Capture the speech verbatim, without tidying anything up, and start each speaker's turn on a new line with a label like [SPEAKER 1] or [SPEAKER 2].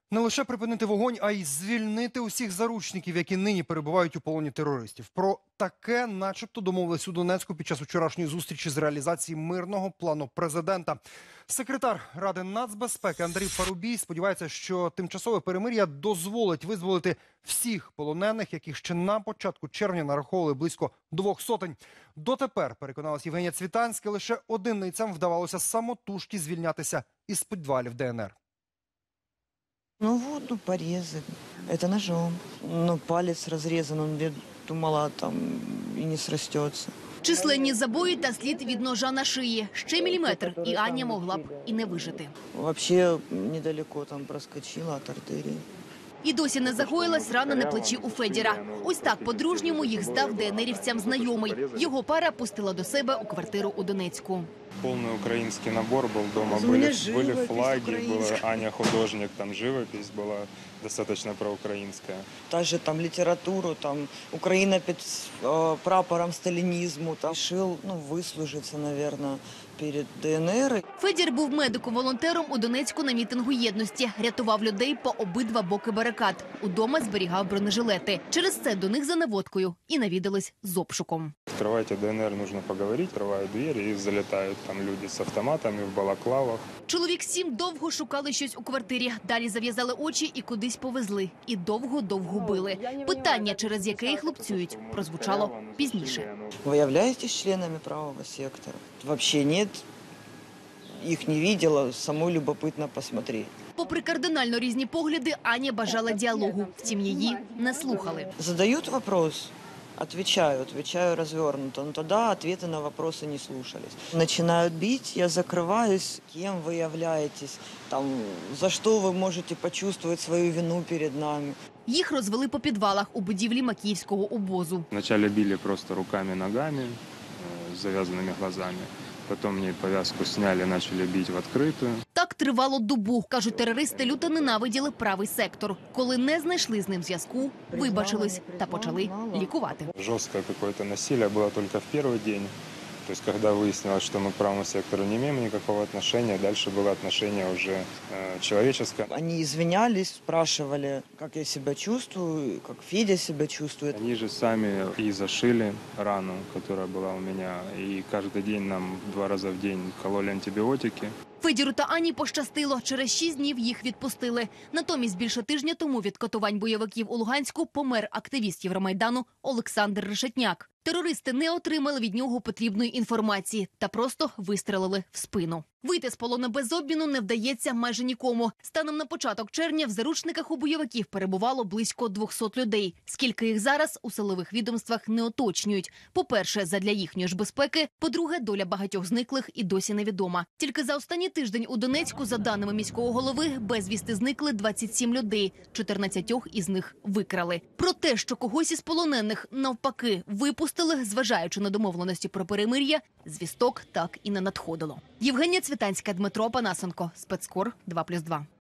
[SPEAKER 1] Не лише припинити вогонь, а й звільнити усіх заручників, які нині перебувають у полоні терористів. Про таке начебто домовились у Донецьку під час вчорашньої зустрічі з реалізації мирного плану президента. Секретар Ради нацбезпеки Андрій Парубій сподівається, що тимчасове перемир'я дозволить визволити всіх полонених, яких ще на початку червня нараховували близько двох сотень. Дотепер, переконалась Євгенія Цвітанська, лише одиницям вдавалося самотужки звільнятися із підвалів ДНР.
[SPEAKER 2] Ну вот, ну порезы. Это ножом. Ну палец разрезан, он, я думала, там и не срастется.
[SPEAKER 3] Численні забої та слід від ножа на шиї. Ще міліметр, і Аня могла б і не вижити.
[SPEAKER 2] Вообще недалеко там проскочила от артерии.
[SPEAKER 3] І досі не загоїлась рана на плечі у Федіра. Ось так по-дружньому їх здав ДНРівцям знайомий. Його пара пустила до себе у квартиру у Донецьку.
[SPEAKER 4] Полный украинский набор был дома,
[SPEAKER 2] У меня
[SPEAKER 4] были,
[SPEAKER 2] живопись
[SPEAKER 4] были флаги, была
[SPEAKER 2] украинская.
[SPEAKER 4] Аня художник, там живопись была достаточно проукраинская.
[SPEAKER 2] Та же там литературу, там Украина під э, прапором сталинизму. Там решил, ну, выслужиться, наверное, перед ДНР.
[SPEAKER 3] Федір був медиком-волонтером у Донецьку на мітингу єдності. Рятував людей по обидва боки барикад. Удома зберігав бронежилети. Через це до них за наводкою і навідались з обшуком.
[SPEAKER 4] Открывайте ДНР, нужно поговорить, открывают двери и залетают там люди с автоматами в балаклавах.
[SPEAKER 3] Чоловік сім довго шукали щось у квартирі. Далі зав'язали очі і кудись повезли. І довго-довго били. Питання, через яке їх лупцюють, прозвучало пізніше.
[SPEAKER 2] Вы являетесь членами правого сектора? Вообще нет. Их не видела, самой любопытно посмотреть.
[SPEAKER 3] Попри кардинально різні погляди, Аня бажала діалогу. Втім, її не слухали.
[SPEAKER 2] Задают вопрос, отвечаю, отвечаю развернуто, но тогда ответы на вопросы не слушались. Начинают бить, я закрываюсь, кем вы являетесь, там, за что вы можете почувствовать свою вину перед нами.
[SPEAKER 3] Їх розвели по підвалах у будівлі Макіївського обозу.
[SPEAKER 4] Вначале били просто руками, ногами, э, с завязанными глазами. Потом мне повязку сняли, начали бить в открытую.
[SPEAKER 3] Так тривало добу. Кажуть, терористи люто ненавиділи правий сектор. Коли не знайшли з ним зв'язку, вибачились та почали лікувати.
[SPEAKER 4] Жесткое какое-то насилие было только в первый день. То есть, когда выяснилось, что мы к правому сектору не имеем никакого отношения, дальше было отношение уже э, человеческое.
[SPEAKER 2] Они извинялись, спрашивали, как я себя чувствую, как Федя себя чувствует.
[SPEAKER 4] Они же сами и зашили рану, которая была у меня, и каждый день нам два раза в день кололи антибиотики.
[SPEAKER 3] Федіру та Ані пощастило. Через шість днів їх відпустили. Натомість більше тижня тому від катувань бойовиків у Луганську помер активіст Євромайдану Олександр Решетняк. Терористи не отримали від нього потрібної інформації та просто вистрелили в спину. Вийти з полону без обміну не вдається майже нікому. Станом на початок червня в заручниках у бойовиків перебувало близько двохсот людей. Скільки їх зараз у силових відомствах не уточнюють. По-перше, задля їхньої ж безпеки. По-друге, доля багатьох зниклих і досі невідома. Тільки за останній тиждень у Донецьку, за даними міського голови, безвісти зникли двадцять сім людей. чотирнадцятьох із них викрали. Про те, що когось із полонених навпаки випустили, зважаючи на домовленості про перемир'я, звісток так і не надходило. Євгенія Цвітанська, Дмитро Панасенко. Спецкор два плюс два.